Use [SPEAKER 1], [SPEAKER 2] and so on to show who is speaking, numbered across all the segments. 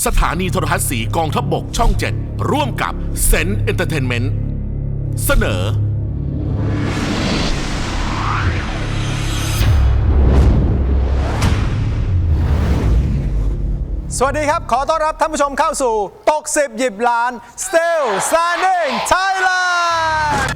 [SPEAKER 1] สถานีโทรทัศน์สีกองทัพบกช่อง 7 ร่วมกับเซนต์เอนเตอร์เทนเมนต์เสนอ
[SPEAKER 2] สวัสดีครับขอต้อนรับท่านผู้ชมเข้าสู่ตก10หยิบล้าน Still Standing Thailand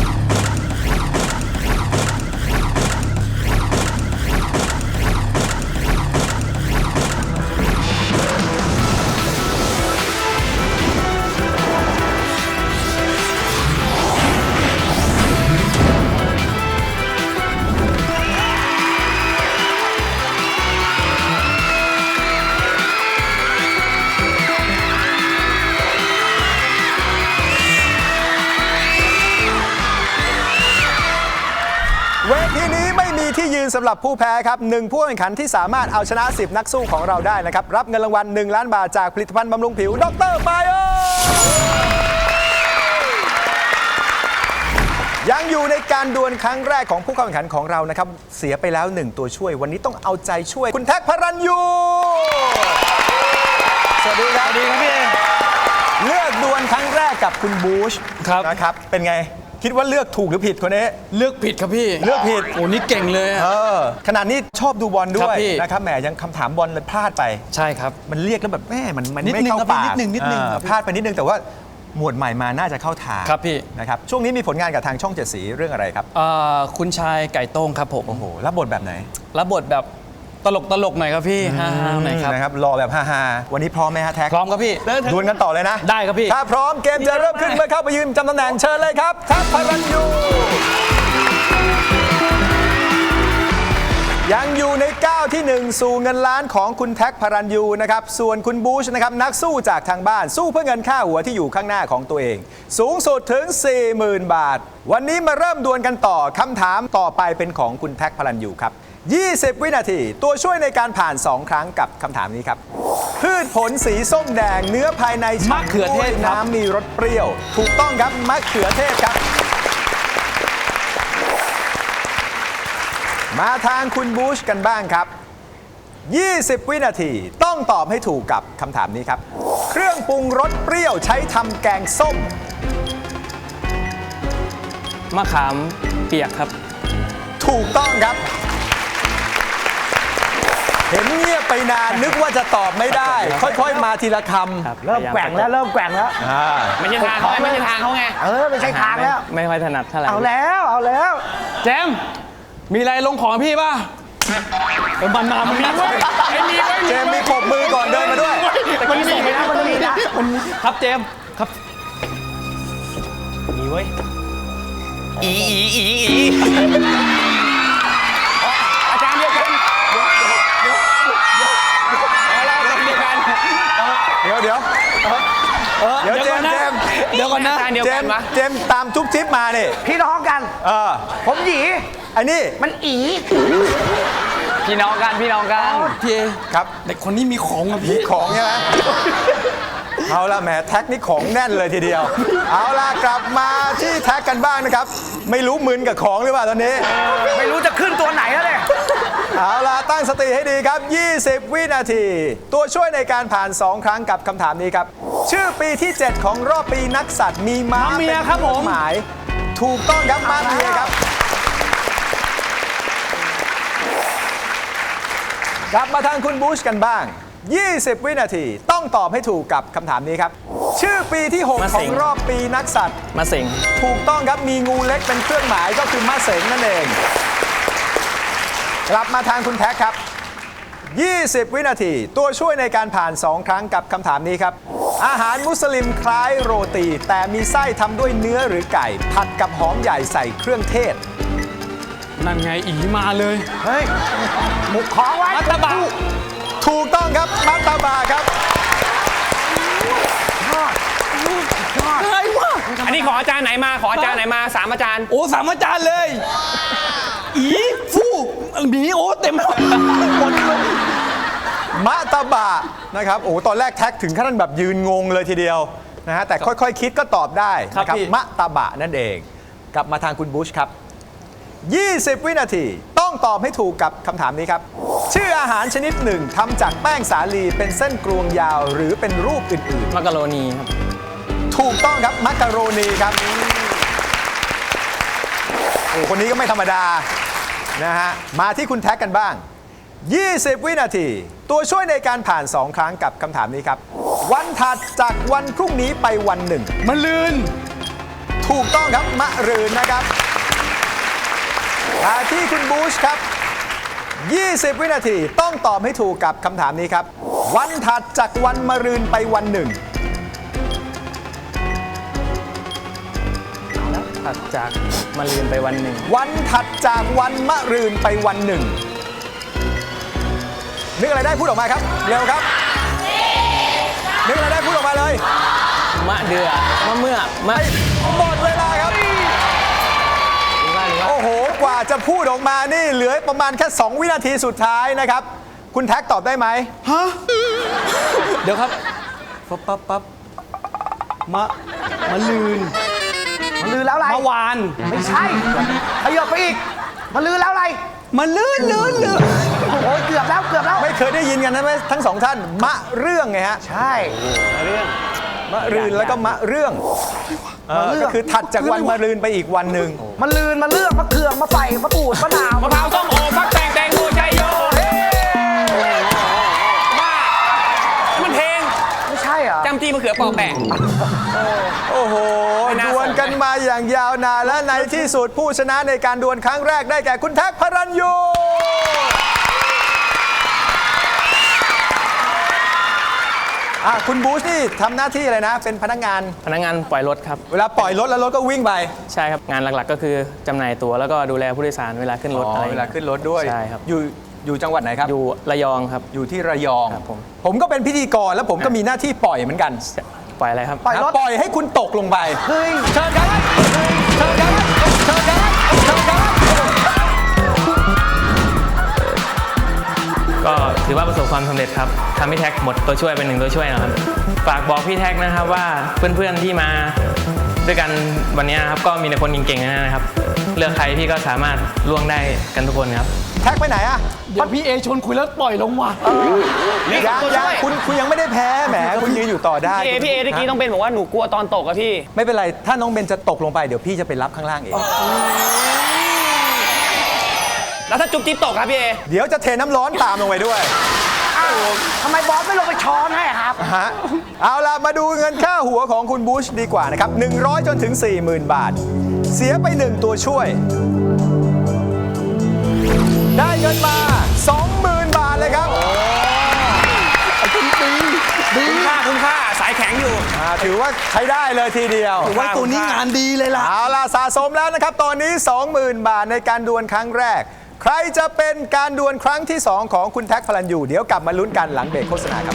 [SPEAKER 2] เวทีนี้ไม่มีที่ยืนสำหรับผู้แพ้ครับหนึ่งผู้แข่งขันที่สามารถเอาชนะ10นักสู้ของเราได้นะครับรับเงินรางวัล1 ล้านบาทจากผลิตภัณฑ์บำรุงผิวดร.ไบโอยังอยู่ในการดวลครั้งแรกของผู้เข้าแข่งขันของเรานะครับเสียไปแล้ว1ตัวช่วยวันนี้ต้องเอาใจช่วยคุณแท็กพระรัญยูสวัสดีครับสวัสดีครับพี่เลือกดวลครั้งแรกกับคุณบูชนะครับเป็นไงคิดว่าเลือกถูกหรือผิดคนนี้
[SPEAKER 3] เลือกผิดครับพี่
[SPEAKER 2] เลือกผิด
[SPEAKER 3] โอ้นี่เก่งเลย
[SPEAKER 2] ขนาดนี้ชอบดูบอลด้วย
[SPEAKER 3] นะครับ
[SPEAKER 2] แหมยังคำถามบอลเลยพลาดไป
[SPEAKER 3] ใช่ครับ
[SPEAKER 2] มันเรียกแล้วแบบแม่มันไม่เข้าปาก
[SPEAKER 3] นิดนึง
[SPEAKER 2] พลาดไปนิดนึงแต่ว่าหมวดใหม่มาน่าจะเข้าทาง
[SPEAKER 3] ครับพี่
[SPEAKER 2] นะครับช่วงนี้มีผลงานกับทางช่อง7สีเรื่องอะไรครับ
[SPEAKER 3] คุณชายไก่โต้งครับผม
[SPEAKER 2] โอ้โหรับบทแบบไหน
[SPEAKER 3] รับบทแบบตลกหน่อยครับพี่ฮ่าหน่อยครับ
[SPEAKER 2] นะครับรอแบบฮาๆวันนี้พร้อมไหมฮะแท็ก
[SPEAKER 3] พร้อมครับพี่
[SPEAKER 2] ดวลกันต่อเลยนะ
[SPEAKER 3] ได้ครับพี่
[SPEAKER 2] ถ้าพร้อมเกมจะเริ่มขึ้นเมื่อเข้าไปยืนจำตำแหน่งเชิญเลยครับแท็กพระรัญยูยังอยู่ในก้าวที่1สู่เงินล้านของคุณแท็กพระรัญยูนะครับส่วนคุณบูชนะครับนักสู้จากทางบ้านสู้เพื่อเงินค่าหัวที่อยู่ข้างหน้าของตัวเองสูงสุดถึง 40,000 บาทวันนี้มาเริ่มดวลกันต่อคำถามต่อไปเป็นของคุณแท็กพระรัญยูครับ20 วินาทีตัวช่วยในการผ่าน2ครั้งกับคำถามนี้ครับพืชผลสีส้มแดงเนื้อภายใน
[SPEAKER 3] มะเขือเทศ
[SPEAKER 2] น้ำมีรสเปรี้ยวถูกต้องครับมะเขือเทศครับมาทางคุณบูชกันบ้างครับ20 วินาทีต้องตอบให้ถูกกับคำถามนี้ครับเครื่องปรุงรสเปรี้ยวใช้ทำแกงส้ม
[SPEAKER 3] มะขามเปียกครับ
[SPEAKER 2] ถูกต้องครับเห็นเงียบไปนานนึกว่าจะตอบไม่ได้ค่อยๆมาทีละคำ
[SPEAKER 4] เริ่มแกว่งแล้ว
[SPEAKER 3] ไม่ใช่ทางเขาไม่ใช่ทางเขาไง
[SPEAKER 4] ไม่ใช่ทางแล้ว
[SPEAKER 3] ไม่ค่อยถนัดเท่าไหร่
[SPEAKER 4] เอาแล้ว
[SPEAKER 3] เจมมีอะไรลงของพี่ป่ะมันมีไว้
[SPEAKER 2] เจมมีปบมือก่อนเดินมาด้วย
[SPEAKER 4] มันมีนะครับ
[SPEAKER 3] เจมครับ
[SPEAKER 4] มีไว้
[SPEAKER 3] อีอาจารย์เดียวกัน
[SPEAKER 2] เดี๋ยวเจม
[SPEAKER 3] เดี๋ยวก่อนนะ
[SPEAKER 2] เจมตามทุกทิปมาเนี่ย
[SPEAKER 4] พี่น้องกันผมหยี
[SPEAKER 2] ไอ้นี่
[SPEAKER 4] มันอี
[SPEAKER 3] พี่น้องกันพี่
[SPEAKER 2] ครับ
[SPEAKER 3] เด็กคนนี้มีของอ่ะพี่
[SPEAKER 2] มีของใช่ไหมเอาละแหมแท็กนี่ของแน่นเลยทีเดียวเอาล่ะกลับมาที่แท็กกันบ้างนะครับไม่รู้มึนกับของหรือเปล่าตอนนี้
[SPEAKER 4] ไม่รู้จะขึ้นตัวไหนแล้วเนี่ย
[SPEAKER 2] เอาล่ะตั้งสติให้ดีครับ20 วินาทีตัวช่วยในการผ่าน2ครั้งกับคำถามนี้ครับชื่อปีที่7ของรอบปีนักสัตว์มีม้าเป็นเครื่องหมายถูกต้องครับม้าเมียครับกลับมาทางคุณบูชกันบ้าง20 วินาทีต้องตอบให้ถูกกับคำถามนี้ครับชื่อปีที่6ของรอบปีนักสัตว์
[SPEAKER 3] มะเส็ง
[SPEAKER 2] ถูกต้องครับมีงูเล็กเป็นเครื่องหมายก็คือมะเส็งนั่นเองกลับมาทางคุณแท็กครับ20 วินาทีตัวช่วยในการผ่าน2ครั้งกับคำถามนี้ครับอาหารมุสลิมคล้ายโรตีแต่มีไส้ทำด้วยเนื้อหรือไก่ผัดกับหอมใหญ่ใส่เครื่องเทศ
[SPEAKER 3] นั่นไงอีมาเลย
[SPEAKER 4] เฮ้ยหมุกของไว้
[SPEAKER 3] มัตตบะ
[SPEAKER 2] ถูกต้องครับมัตตบะครับ
[SPEAKER 3] อะไรวะ
[SPEAKER 5] อันนี้ขออาจารย์ไหนมา3 อาจารย์
[SPEAKER 3] โอ้3 อาจารย์เลยอีฟู่หมีโอ้เต็มหมด
[SPEAKER 2] มัตตบะนะครับโอ้ตอนแรกแท็กถึงขั้นแบบยืนงงเลยทีเดียวนะฮะแต่ค่อยๆคิดก็ตอบได้นะครับมัตตบะนั่นเองกลับมาทางคุณบูชครับ20 วินาทีต้องตอบให้ถูกกับคำถามนี้ครับชื่ออาหารชนิดหนึ่งทำจากแป้งสาลีเป็นเส้นกลวงยาวหรือเป็นรูปอื่น
[SPEAKER 3] มักกะโรนีครับ
[SPEAKER 2] ๆ ถูกต้องครับมักกะโรนีครับโอ้คนนี้ก็ไม่ธรรมดานะฮะมาที่คุณแท็กกันบ้าง 20 วินาที ตัวช่วยในการผ่าน 2 ครั้งกับคำถามนี้ครับ วันถัดจากวันพรุ่งนี้ไปวันหนึ่ง
[SPEAKER 3] มันลื่น
[SPEAKER 2] ถูกต้องครับมะรืนนะครับมาที่คุณบูชครับ 20 วินาทีต้องตอบให้ถูกกับคำถามนี้ครับ วันถัดจากวันมะรืนไปวันหนึ่ง
[SPEAKER 3] ถัดจากมาลืนไปวันหนึ่ง
[SPEAKER 2] วันถัดจากวันมะรืนไปวันหนึ่งนึกอะไรได้พูดออกมาครับเร็วครับนึกอะไรได้พูดออกมาเลย
[SPEAKER 3] มะเดือมะเมื่อมะ
[SPEAKER 2] หมดเวลาครับโอ้โหกว่าจะพูดออกมานี่เหลือประมาณแค่ 2 วินาทีสุดท้ายนะครับคุณแท็กตอบได้ไหม
[SPEAKER 3] เดี๋ยวครับปั๊บมะลืน
[SPEAKER 4] มันลือแล้วอะไร
[SPEAKER 3] มะวาน
[SPEAKER 4] ไม่ใช่ขยับไปอีก มันลือแล้วอะไร
[SPEAKER 3] มันลื่น
[SPEAKER 4] โอ้ยเกือบแล้วเกือบแล้ว
[SPEAKER 2] ไม่เคยได้ยินกันนะไหมทั้งสองท่านมะเรื่องไงฮะ
[SPEAKER 4] ใช่
[SPEAKER 2] มะรืนแล้วก็มะเรื่องก็คือถัดจากวันมะรืนไปอีกวันหนึ่ง
[SPEAKER 4] มันลืนมันเลือกมะเขืองมะไฟมะปูดมะนาว
[SPEAKER 5] มะพร้าวส้มโอฟักแตงแตงโมชัยโยบ้ามันเพลง
[SPEAKER 4] ไม่ใช่เหรอ
[SPEAKER 5] จำจีมะเขือปอกแปะ
[SPEAKER 2] โอ้โห
[SPEAKER 5] ไม่น่า
[SPEAKER 2] ดวลกันมาอย่างยาวนานและในที่สุดผู้ชนะในการดวลครั้งแรกได้แก่คุณแท็กพระรัญยูคุณบูชนี่ทำหน้าที่อะไรนะ เป็นพนักงาน
[SPEAKER 3] พนักงานปล่อยรถครับ
[SPEAKER 2] เวลาปล่อยรถแล้วรถก็วิ่งไป
[SPEAKER 3] ใช่ครับ งานหลักๆก็คือจำหน่ายตั๋วแล้วก็ดูแลผู้โดยสารเวลาขึ้นรถอะไร
[SPEAKER 2] เวลาขึ้นรถด้วย
[SPEAKER 3] ใช่ครับ
[SPEAKER 2] อยู่จังหวัดไหนครับ
[SPEAKER 3] อยู่ระยองครับ
[SPEAKER 2] อยู่ที่ระยอง
[SPEAKER 3] ครับผม
[SPEAKER 2] ผมก็เป็นพิธีกรแล้วผมก็มีหน้าที่ปล่อยเหมือนกัน
[SPEAKER 3] ปล่อยอะไรครับ
[SPEAKER 4] ปล่อยรถ
[SPEAKER 2] ปล่อยให้คุณตกลงไป
[SPEAKER 4] เฮ้ย
[SPEAKER 2] เชิญครับเชิญครับเชิญครับเชิญครับ
[SPEAKER 3] ก็ถือว่าประสบความสำเร็จครับทำให้แท็กหมดตัวช่วยเป็น1ตัวช่วยนะครับฝากบอกพี่แท็กนะครับว่าเพื่อนๆที่มาด้วยกันวันนี้นะครับก็มีแต่คนเก่งๆนะครับเลือกใครพี่ก็สามารถล่วงได้กันทุกคนครับ
[SPEAKER 2] แท็กไปไหนอะ
[SPEAKER 3] เดี๋ยวพี่เอชวนคุยแล้วปล่อยลงว่ะ
[SPEAKER 2] ยังคุณยังไม่ได้แพ้แหมคุณยืนอยู่ต่อได้
[SPEAKER 5] พี่เอตะกี้ต้องเป็นบอกว่าหนูกลัวตอนตกอะพี่
[SPEAKER 2] ไม่เป็นไรถ้าน้องเบนจะตกลงไปเดี๋ยวพี่จะไปรับข้างล่างเอง
[SPEAKER 5] แล้วถ้าจุ๊บจิ๊บตกครับพี่เอ
[SPEAKER 2] เดี๋ยวจะเทน้ำร้อนตามลงไปด้วย
[SPEAKER 4] อ้าวทำไมบอสไม่ลงไปช้อนให้อะครับ
[SPEAKER 2] ฮะเอาล่ะมาดูเงินค่าหัวของคุณบูชดีกว่านะครับ100จนถึง 40,000 บาท เสียไป1ตัวช่วย ได้เงินมา 20,000 บาทเลยครับ
[SPEAKER 5] คุ้มค่าสายแข็งอยู่
[SPEAKER 2] ถือว่าใช้ได้เลยทีเดียว
[SPEAKER 5] ว่าตัวนี้งานดีเลยล่ะ
[SPEAKER 2] เอาล่ะสะสมแล้วนะครับ ตอนนี้ 20,000 บาทในการดวลครั้งแรก ใครจะเป็นการดวลครั้งที่ 2 ของคุณแท็กพลันยูเดี๋ยวกลับมาลุ้นกันหลังเบรกโฆษณาครับ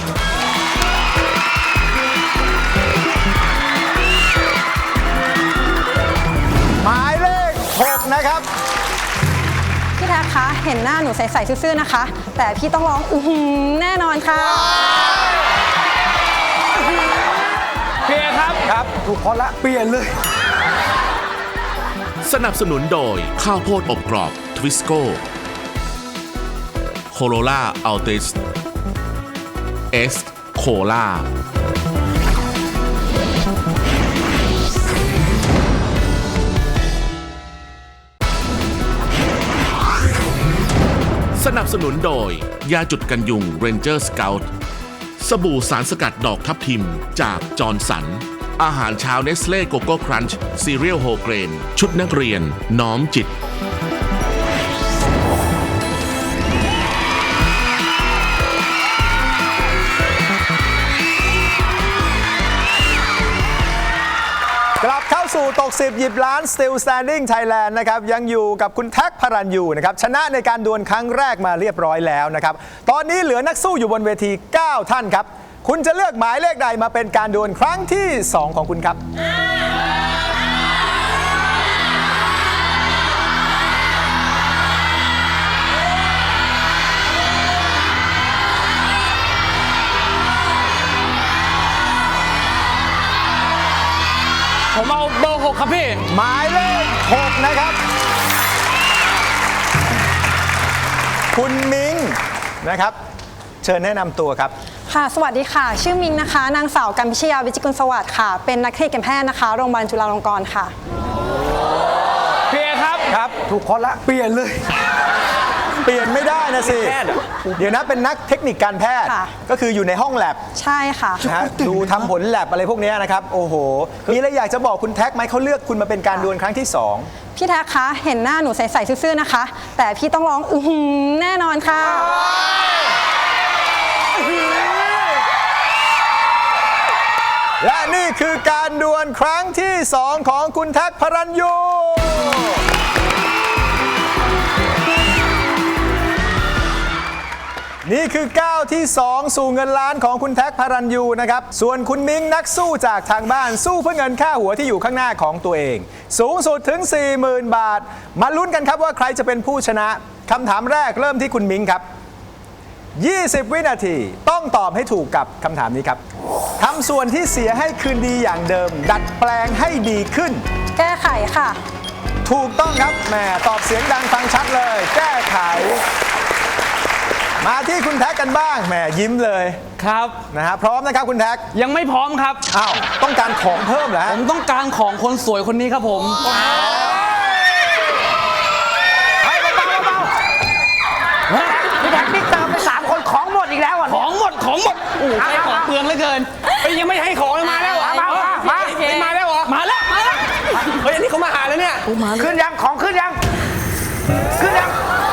[SPEAKER 2] หมายเลข 6 นะครับ
[SPEAKER 6] พี่แท็กคะ เห็นหน้าหนูใสๆซื่อๆนะคะ แต่พี่ต้องร้องอื้อหือแน่นอนค่ะ
[SPEAKER 5] พี่เอครับ
[SPEAKER 2] ครับ
[SPEAKER 4] ถูกคนละ
[SPEAKER 3] เปลี่ยนเลย
[SPEAKER 1] สนับสนุนโดยข้าวโพดอบกรอบทวิสโก้โคโรล่าอัลติสเอสโคล่าสนับสนุนโดยยาจุดกันยุง Ranger Scout สบู่สารสกัดดอกทับทิมจากจอร์นสัน อาหารเช้าเนสเล่โกโก้ครันช์ซีเรียลโฮเกรน ชุดนักเรียน น้อมจิต
[SPEAKER 2] กลับเข้าสู่ตก 10 หยิบล้าน Still Standing Thailand นะครับยังอยู่กับคุณแท็กพรัญยูนะครับชนะในการดวลครั้งแรกมาเรียบร้อยแล้วนะครับตอนนี้เหลือนักสู้อยู่บนเวที 9 ท่านครับ คุณจะเลือกหมายเลขใดมาเป็นการดวลครั้งที่ 2 ของคุณครับ
[SPEAKER 3] ผมเอาเบอร์ 6 ครับพี่
[SPEAKER 2] หมายเลข 6 นะครับ คุณมิงนะครับ เชิญแนะนำตัวครับ
[SPEAKER 6] ค่ะ สวัสดีค่ะ ชื่อมิงนะคะ นางสาวกัมพิชยา วิจิกุลสวัสดิ์ค่ะ เป็นนักเทคนิคการแพทย์นะคะ โรงพยาบาลจุฬาลงกรณ์ค่ะ
[SPEAKER 5] เพียครับ
[SPEAKER 2] ครับ
[SPEAKER 4] ถูกคนละ
[SPEAKER 5] เปลี่ยนเลย
[SPEAKER 2] เปลี่ยนไม่ได้นะสิ
[SPEAKER 5] แพทย์เหรอ
[SPEAKER 2] เดี๋ยวนะเป็นนักเทคนิคการแพทย์
[SPEAKER 6] ค่ะ
[SPEAKER 2] ก็คืออยู่ในห้องแลบ
[SPEAKER 6] ใช่ค่ะ
[SPEAKER 2] นะฮะดูทำผลแลบอะไรพวกเนี้ยนะครับ โอ้โห มีอะไรอยากจะบอกคุณแท็กไหมเขาเลือกคุณมาเป็นการดวลครั้งที่ 2
[SPEAKER 6] พี่แท็กคะ เห็นหน้าหนูใสๆซื่อๆนะคะ แต่พี่ต้องร้องแน่นอนค่ะ
[SPEAKER 2] และนี่คือการดวลครั้งที่ 2 ของคุณแท็กพระรัญยู นี่คือก้าวที่ 2 สู่เงินล้านของคุณแท็กพระรัญยูนะครับ ส่วนคุณมิ้งนักสู้จากทางบ้านสู้เพื่อเงินค่าหัวที่อยู่ข้างหน้าของตัวเอง สูงสุดถึง 40,000 บาท มาลุ้นกันครับว่าใครจะเป็นผู้ชนะคำถามแรกเริ่มที่คุณมิ้งครับ 20 วินาทีต้องตอบให้ถูกกับคำถามนี้ครับทำส่วนที่เสียให้คืนดีอย่างเดิม ดัดแปลงให้ดีขึ้น
[SPEAKER 6] แก้ไขค่ะ
[SPEAKER 2] ถูกต้องครับแหมตอบเสียงดังฟังชัดเลย แก้ไข มาที่คุณแท็กกันบ้างแหมยิ้มเลย
[SPEAKER 5] ครับ
[SPEAKER 2] นะฮะพร้อมนะครับคุณแท็ก
[SPEAKER 5] ยังไม่พร้อมครับ
[SPEAKER 2] อ้าวต้องการของเพิ่มเหรอ
[SPEAKER 5] ผ
[SPEAKER 2] ฮะ
[SPEAKER 5] มต้องการของคนสวยคนนี้ครับผม
[SPEAKER 4] พี่แท็กนี่เติมไป3 คนของหมดอีกแล้วอ่ะ
[SPEAKER 5] ของหมดโอ้โหใช้ของเปลืองเหลือเกินเฮ้ยยังไม่ให้ของเลยมาแล้วเหรอ มาแล้วเหรอ มาแล้วเฮ้ยอันนี้เขามาหาแล้วเนี่ย
[SPEAKER 4] ขึ้นยังของขึ้นยังขึ้นยัง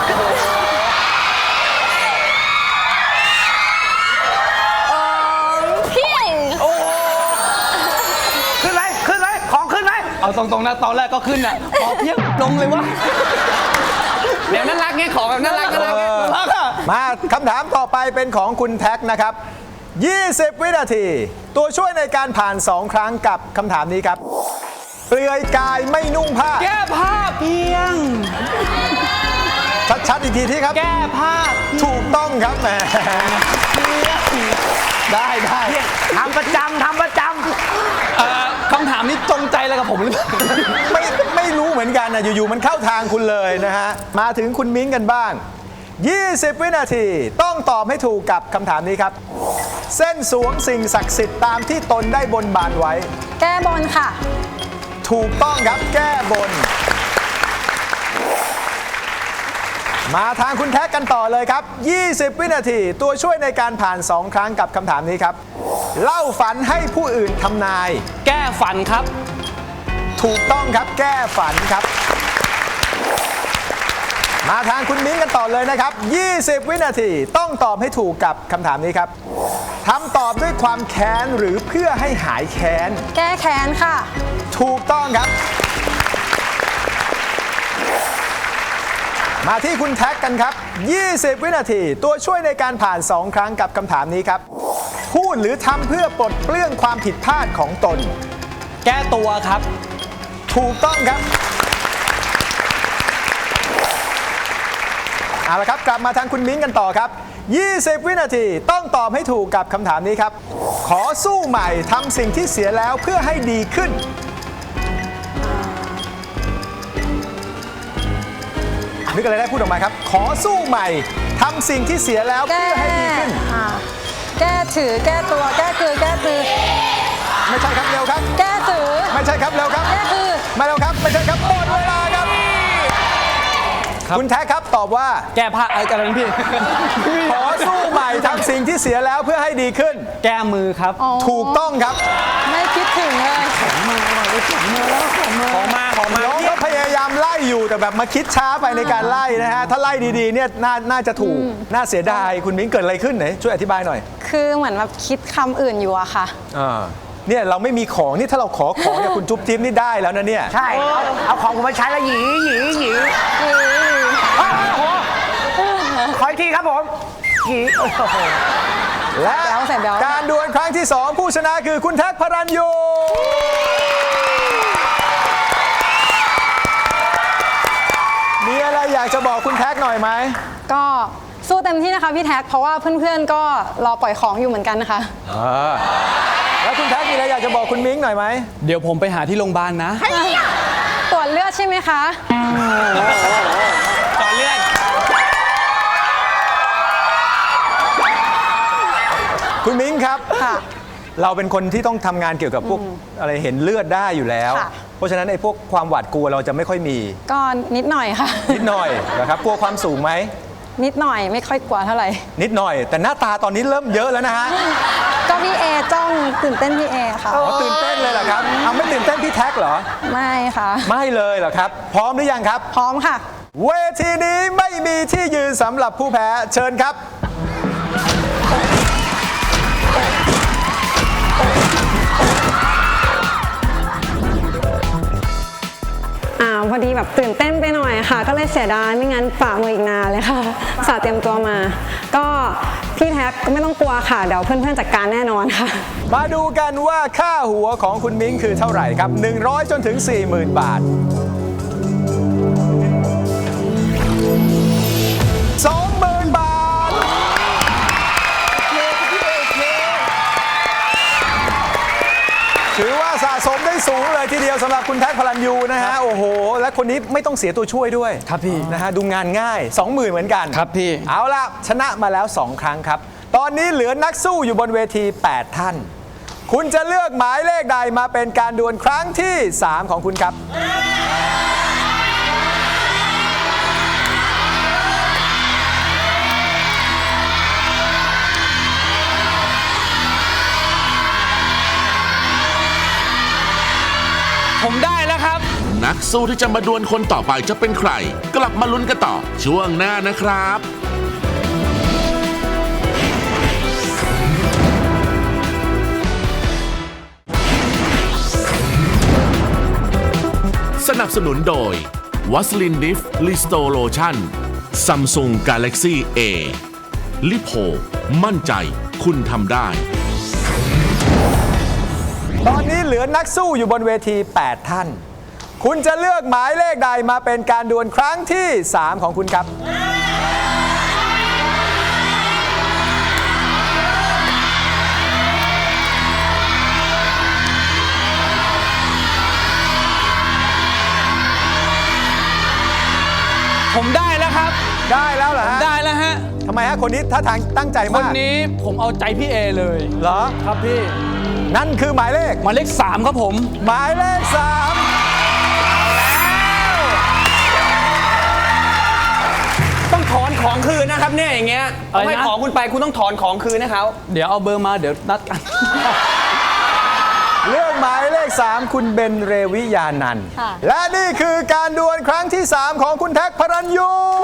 [SPEAKER 4] ขึ้นไหมขึ้นไหมของขึ้นไหม
[SPEAKER 5] เอาตรงๆนะตอนแรกก็ขึ้นอ่ะพอเพียบลงเลยวะเดี๋ยวน่ารักไงของแบบน่ารักไงน่ารักอะ
[SPEAKER 2] มาคำถามต่อไปเป็นของคุณแท็กนะครับ 20 วินาที ตัวช่วยในการผ่าน 2 ครั้งกับคำถามนี้ครับ เปลือยกายไม่นุ่งผ้า
[SPEAKER 5] แก้ผ้าเพียง
[SPEAKER 2] ชัดๆอีกทีที่ครับ
[SPEAKER 5] แก้ผ้า
[SPEAKER 2] ถูกต้องครับแหมได้
[SPEAKER 4] ทำประจำทำประจ
[SPEAKER 5] คำถามนี้จงใจอะไรกับผมหรือเปล่า
[SPEAKER 2] ไม่รู้เหมือนกันนะอยู่ๆมันเข้าทางคุณเลยนะฮะมาถึงคุณมิ้งกันบ้าง 20 วินาทีต้องตอบให้ถูกกับคำถามนี้ครับ เส้นสวงสิ่งศักดิ์สิทธิ์ตามที่ตนได้บนบานไว้
[SPEAKER 6] แก้บนค่ะ
[SPEAKER 2] ถูกต้องครับแก้บน มาทางคุณแท็กกันต่อเลยครับ 20 วินาทีตัวช่วยในการผ่าน 2 ครั้งกับคำถามนี้ครับ เล่าฝันให้ผู้อื่นทำนาย
[SPEAKER 5] แก้ฝันครับ
[SPEAKER 2] ถูกต้องครับแก้ฝันครับ มาทางคุณมิ้งกันต่อเลยนะครับ 20 วินาทีต้องตอบให้ถูกกับคำถามนี้ครับทำตอบด้วยความแค้นหรือเพื่อให้หายแค้น
[SPEAKER 6] แก้แค้นค่ะ
[SPEAKER 2] ถูกต้องครับ มาที่คุณแท็กกันครับ 20 วินาทีตัวช่วยในการผ่าน 2 ครั้งกับคำถามนี้ครับ พูดหรือทำเพื่อปลดเปลื้องความผิดพลาดของตน
[SPEAKER 5] แก้ตัวครับ
[SPEAKER 2] ถูกต้องครับ เอาละครับกลับมาทางคุณมิ้งกันต่อครับ 20 วินาทีต้องตอบให้ถูกกับคำถามนี้ครับ ขอสู้ใหม่ทำสิ่งที่เสียแล้วเพื่อให้ดีขึ้น นึกอะไรได้พูดออกมาครับ ขอสู้ใหม่ทำสิ่งที่เสียแล้ว
[SPEAKER 6] แก้
[SPEAKER 2] เพื่อให้ดีขึ้น
[SPEAKER 6] แก้ถือ แก้ตัว แก้คือ แก้ตือ
[SPEAKER 2] ไม่ใช่ครับเร็วครับ
[SPEAKER 6] แก้ถือ
[SPEAKER 2] ไม่ใช่ครับเร็วครับ
[SPEAKER 6] แก้คือ
[SPEAKER 2] มาเร็วครับไม่ใช่ครับหมดเวลาครับ
[SPEAKER 5] ครับ
[SPEAKER 2] คุณแท็กครับตอบว่า
[SPEAKER 5] แก้ผ้าอะไรกันนะพี่
[SPEAKER 2] ขอสู้ใหม่ทำสิ่งที่เสียแล้วเพื่อให้ดีขึ้น
[SPEAKER 5] แก้มือครับ
[SPEAKER 2] ถูกต้องครับ
[SPEAKER 6] ไม่คิดถึงเลย
[SPEAKER 5] ของมา
[SPEAKER 2] น้องก็พยายามไล่อยู่แต่แบบมาคิดช้าไปในการไล่นะฮะ ถ้าไล่ดีๆเนี่ยน่าจะถูก น่าเสียดาย คุณมิ้งเกิดอะไรขึ้นไหนช่วยอธิบายหน่อย
[SPEAKER 6] คือเหมือนแบบคิดคำอื่นอยู่อะค่ะ
[SPEAKER 2] เนี่ยเราไม่มีของนี่ถ้าเราขอของเนี่ยคุณจุ๊บจิ๊บนี่ได้แล้วนะเนี่ย
[SPEAKER 4] ำใช่เอาของผมมาใช้แล้วหยีขออีกทีครับผมหยีโอ้โห
[SPEAKER 2] และ
[SPEAKER 6] ใส่แบ๊ว
[SPEAKER 2] การดวลครั้งที่ 2 ผู้ชนะคือคุณแท็กพระรัญยูมีอะไรอยากจะบอกคุณแท็กหน่อยไหม
[SPEAKER 6] ก็สู้เต็มที่นะคะพี่แท็ก เพราะว่าเพื่อนๆ ก็รอปล่อยของอยู่เหมือนกันนะคะ
[SPEAKER 2] แล้วคุณแท็กมีอะไรอยากจะบอกคุณมิ้งหน่อยไหม
[SPEAKER 5] เดี๋ยวผมไปหาที่โรงพยาบาลนะ
[SPEAKER 6] ตรวจเลือดใช่ไหมคะ
[SPEAKER 5] ต่อเลือด
[SPEAKER 2] คุณมิ้งครับ
[SPEAKER 6] ค่ะ
[SPEAKER 2] เราเป็นคนที่ต้องทำงานเกี่ยวกับพวกอะไรเห็นเลือดได้อยู่แล้ว
[SPEAKER 6] ค่ะ
[SPEAKER 2] เพราะฉะนั้นไอ้พวกความหวาดกลัวเราจะไม่ค่อยมี
[SPEAKER 6] ก็นิดหน่อยค่ะ
[SPEAKER 2] นิดหน่อยนะครับกลัวความสูงไหม
[SPEAKER 6] นิดหน่อยไม่ค่อยกลัวเท่าไหร่
[SPEAKER 2] นิดหน่อย แต่หน้าตาตอนนี้เริ่มเยอะแล้วนะฮะ
[SPEAKER 6] ก็พี่เอจ้องตื่นเต้นพี่เอค่ะ
[SPEAKER 2] อ๋อตื่นเต้นเลยเหรอครับเอาไม่ตื่นเต้นพี่แท็กเหรอ
[SPEAKER 6] ไม่ค่ะ
[SPEAKER 2] ไม่เลยเหรอครับ พร้อมหรือยังครับ
[SPEAKER 6] พร้อมค่ะ
[SPEAKER 2] เวทีนี้ไม่มีที่ยืนสำหรับผู้แพ้เชิญครับ
[SPEAKER 6] พอดีแบบตื่นเต้นไปหน่อยค่ะ ก็เลยเสียดายไม่งั้นฝ่ามืออีกนานเลยค่ะสาเตรียมตัวมา ก็พี่แท็กก็ไม่ต้องกลัวค่ะ เดี๋ยวเพื่อนๆจัดการแน่นอนค่ะ
[SPEAKER 2] มาดูกันว่าค่าหัวของคุณมิ้งคือเท่าไหร่ครับ 100 จนถึง 40,000 บาท 20,000 บาท ถือว่าสะสมได้สูงเลยทีเดียวสำหรับคุณแท็กพลันยูนะฮะ โอ้โห และคนนี้ไม่ต้องเสียตัวช่วยด้วย
[SPEAKER 5] ครับพี่
[SPEAKER 2] นะฮะ ดูงานง่าย 20,000 เหมือนกัน
[SPEAKER 5] ครับพี่
[SPEAKER 2] เอาล่ะ ชนะมาแล้ว 2 ครั้งครับ ตอนนี้เหลือนักสู้อยู่บนเวที 8 ท่าน คุณจะเลือกหมายเลขใดมาเป็นการดวลครั้งที่ 3 ของคุณครับ
[SPEAKER 5] ผมได้แล้วครับ
[SPEAKER 1] นักสู้ที่จะมาดวลคนต่อไปจะเป็นใคร กลับมาลุ้นกันต่อช่วงหน้านะครับ สนับสนุนโดยวัสลินดิฟลิสโตโลชั่นซัมซุงกาแล็กซี่เอลิโพมั่นใจคุณทำได้
[SPEAKER 2] ตอนนี้เหลือนักสู้อยู่บนเวที 8 ท่าน คุณจะเลือกหมายเลขใดมาเป็นการดวลครั้งที่ 3 ของคุณครับ
[SPEAKER 5] ผมได้แล้วครับ
[SPEAKER 2] ได้แล้วเหรอฮะ
[SPEAKER 5] ได้แล้วฮะ
[SPEAKER 2] ทำไมฮะคนนี้ท่าทางตั้งใจ
[SPEAKER 5] วั
[SPEAKER 2] มาน ก
[SPEAKER 5] นี้ผมเอาใจพี่เอเลย
[SPEAKER 2] เหรอ
[SPEAKER 5] ครับพี่
[SPEAKER 2] นั่นคือหมายเลข
[SPEAKER 5] หมายเลข3ครับผม
[SPEAKER 2] หมายเลข
[SPEAKER 4] ต้องถอนของคืนนะครับเนี่ยอย่างเงี้ย
[SPEAKER 5] อะไรนะ
[SPEAKER 4] เอาให้ของคุณไปคุณต้องถอนของคืนให้เขา
[SPEAKER 5] เดี๋ยวเอาเบอร์มาเดี๋ยวนัดกัน
[SPEAKER 2] 3 เลือกหมายเลข 3 คุณเบนเรวิยานันท์
[SPEAKER 6] ค่ะ
[SPEAKER 2] และนี่คือการดวลครั้งที่ 3 ของคุณแท็กพระรัญยู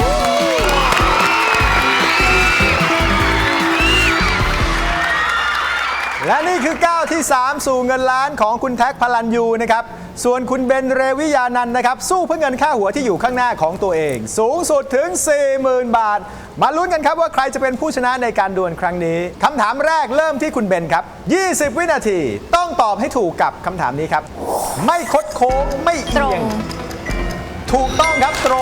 [SPEAKER 2] และนี่คือก้าวที่ 3 สู่เงินล้านของคุณแท็กพลันยูนะครับ ส่วนคุณเบนเรวิยานันท์นะครับ สู้เพื่อเงินค่าหัวที่อยู่ข้างหน้าของตัวเอง สูงสุดถึง 40,000 บาท มาลุ้นกันครับว่าใครจะเป็นผู้ชนะในการดวลครั้งนี้คำถามแรกเริ่มที่คุณเบนครับ 20 วินาทีต้องตอบให้ถูกกับคำถามนี้ครับ ไม่คดโค้งไม่เอียง ถูกต้องครับตรง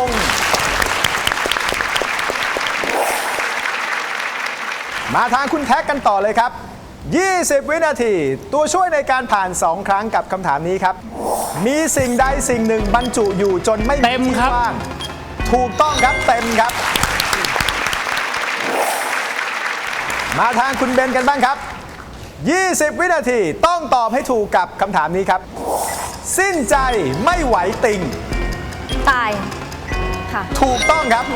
[SPEAKER 2] มาทางคุณแท็กกันต่อเลยครับ 20 วินาที ตัวช่วยในการผ่าน 2 ครั้งกับคำถามนี้ครับ มีสิ่งใดสิ่งหนึ่งบรรจุอยู่จนไม่มี
[SPEAKER 5] เต็ม
[SPEAKER 2] ที่
[SPEAKER 5] ครับ
[SPEAKER 2] ว่าง ถูกต้องครับเต็มครับ มาทางคุณเบนกันบ้างครับ 20 วินาทีต้องตอบให้ถูกกับคำถามนี้ครับ สิ้นใจไม่ไหวติ่ง
[SPEAKER 6] ตาย ค่ะ
[SPEAKER 2] ถูกต้องครับ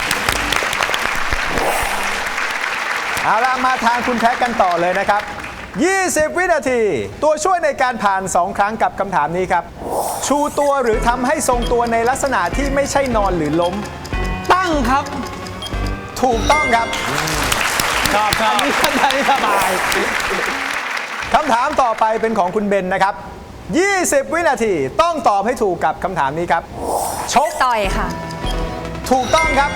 [SPEAKER 2] เอาล่ะมาทางคุณแท็กกันต่อเลยนะครับ 20 วินาที ตัวช่วยในการผ่าน 2 ครั้งกับคำถามนี้ครับ ชูตัวหรือทำให้ทรงตัวในลักษณะที่ไม่ใช่นอนหรือล้ม
[SPEAKER 5] ตั้งครับ
[SPEAKER 2] ถูกต้องครับ
[SPEAKER 5] ครับครับนี่ก็ได้สบาย
[SPEAKER 2] คำถามต่อไปเป็นของคุณเบนนะครับ 20 วินาทีต้องตอบให้ถูกกับคำถามนี้ครับ ชก
[SPEAKER 6] ต่อยค่ะ
[SPEAKER 2] ถูกต้องครับ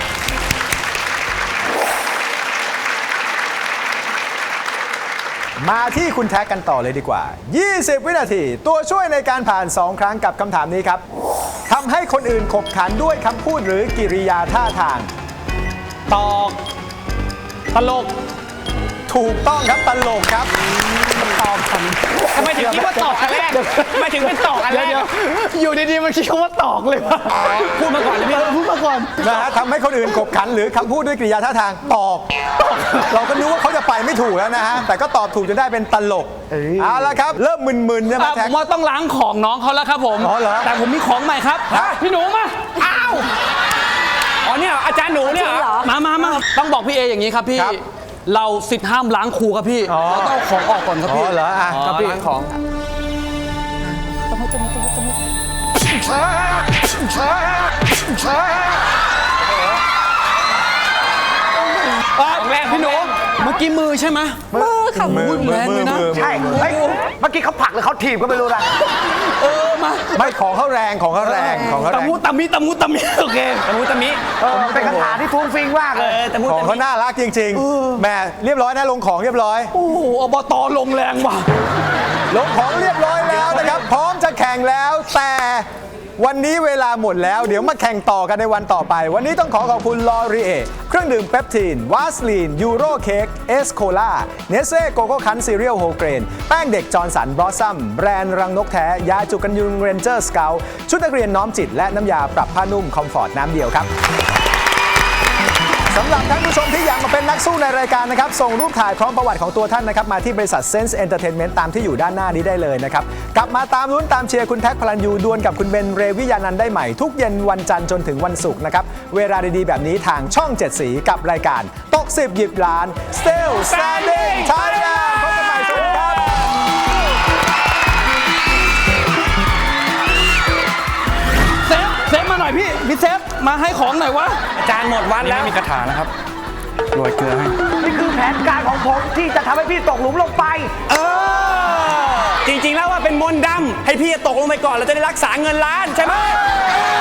[SPEAKER 2] มาที่คุณแท็กกันต่อเลยดีกว่า 20 วินาที ตัวช่วยในการผ่าน 2 ครั้งกับคำถามนี้ครับ ทำให้คนอื่นขบขันด้วยคำพูดหรือกิริยาท่าทาง
[SPEAKER 5] ตอกตลก
[SPEAKER 2] ถูกต้องครับตลกครับ
[SPEAKER 5] ตอกทำไมถึงคิดว่าตอกอันแรกมาถึงเป็นตอกอันแรก
[SPEAKER 4] อยู่ดีๆมันคิดว่าตอกเลยวะ
[SPEAKER 5] พูดมาก่อนเลยพี่
[SPEAKER 4] พูดมาก่อน
[SPEAKER 2] นะฮะทำให้คนอื่นขบขันหรือคำพูดด้วยกริยาท่าทางตอก เราก็นึกว่าเขาจะไปไม่ถูกแล้วนะฮะ แต่ก็ตอบถูกจนได้เป็นตลก เอาละครับ เริ่มมึนๆใช่ไหม
[SPEAKER 5] ผ
[SPEAKER 2] แท็ก
[SPEAKER 5] มว่าต้องล้างของน้องเขาแล้วครับผม
[SPEAKER 2] อ๋อเหรอ
[SPEAKER 5] แต่ผมมีของใหม่ครับพี่หนูมาอ้าวอ๋อเนี่ยอาจารย์หนูเนี่ยเหรอมาต้องบอกพี่เออย่างนี้ครับพี่ เราสิทธิ์ห้ามล้างครูครับพี่เราต้องเอาของออกก่อนครับ
[SPEAKER 2] อ๋
[SPEAKER 5] พี่
[SPEAKER 2] อเหรออ่ะ
[SPEAKER 5] ครับพี่ล้างของของแรกพี่หนูเมื่อกี้มือใช่ไหม
[SPEAKER 6] มือค่ะ
[SPEAKER 2] มือ
[SPEAKER 5] แรงเลยนะ
[SPEAKER 4] ใช่เฮ้ยเมื่อกี้เขาผลักหรือเขาถีบก็ไม่รู้นะ
[SPEAKER 5] มา
[SPEAKER 2] ไม่ของเขาแรงของเขาแรงของเขาแร
[SPEAKER 5] ตะ
[SPEAKER 2] ง
[SPEAKER 5] มุตะมิโอเคตะมุตะมิ
[SPEAKER 4] เป็นคาถาที่ฟุ้งฟิ้งมากเลย
[SPEAKER 5] ตะมุ
[SPEAKER 2] ของ
[SPEAKER 5] ตะ
[SPEAKER 2] เขา
[SPEAKER 5] มิ
[SPEAKER 2] น่ารักจริงๆแหมเรียบร้อยนะลงของเรียบร้อย
[SPEAKER 5] โอ้โหอบตลงแรงว่ะ
[SPEAKER 2] ลงของเรียบร้อยแล้วนะครับ พร้อมจะแข่งแล้วแต่วันนี้เวลาหมดแล้ว เดี๋ยวมาแข่งต่อกันในวันต่อไป วันนี้ต้องขอขอบคุณลอรีเอเครื่องดื่มเปปทีนวาสลีนยูโรเค้กเอสโคล่าเนสเซ่โกโก้คันซีเรียลโฮเกรนแป้งเด็กจอร์นสันบลอสซัมแบรนด์รังนกแท้ยาจุกันยุงเรนเจอร์สเกลชุดนักเรียนน้อมจิตและน้ำยาปรับผ้านุ่มคอมฟอร์ตน้ำเดียวครับ สำหรับท่านผู้ชมที่อยากมาเป็นนักสู้ในรายการนะครับ ส่งรูปถ่ายพร้อมประวัติของตัวท่านนะครับ มาที่บริษัท Sense Entertainment ตามที่อยู่ด้านหน้านี้ได้เลยนะครับ กลับมาตามลุ้นตามเชียร์คุณแท็กพลันยูดวลกับคุณเบนเรวิยานันท์ได้ใหม่ ทุกเย็นวันจันทร์จนถึงวันศุกร์นะครับ เวลาดีๆแบบนี้ทางช่อง 7 สีกับรายการตก10หยิบล้าน Still Standing Thailand พบกันใหม่สวัสดีครับ
[SPEAKER 5] เซฟมาหน่อยพี่เซฟมาให้ของหน่อยวะอาจารย์หมดวันแล้วมีกระถานะครับโรยเกลือให้
[SPEAKER 4] นี่คือแผนการของผมที่จะทำให้พี่ตกหลุมลงไป
[SPEAKER 5] จริงๆแล้วว่าเป็นมนต์ดำให้พี่ตกลงไปก่อนเราจะได้รักษาเงินล้านใช่ไหม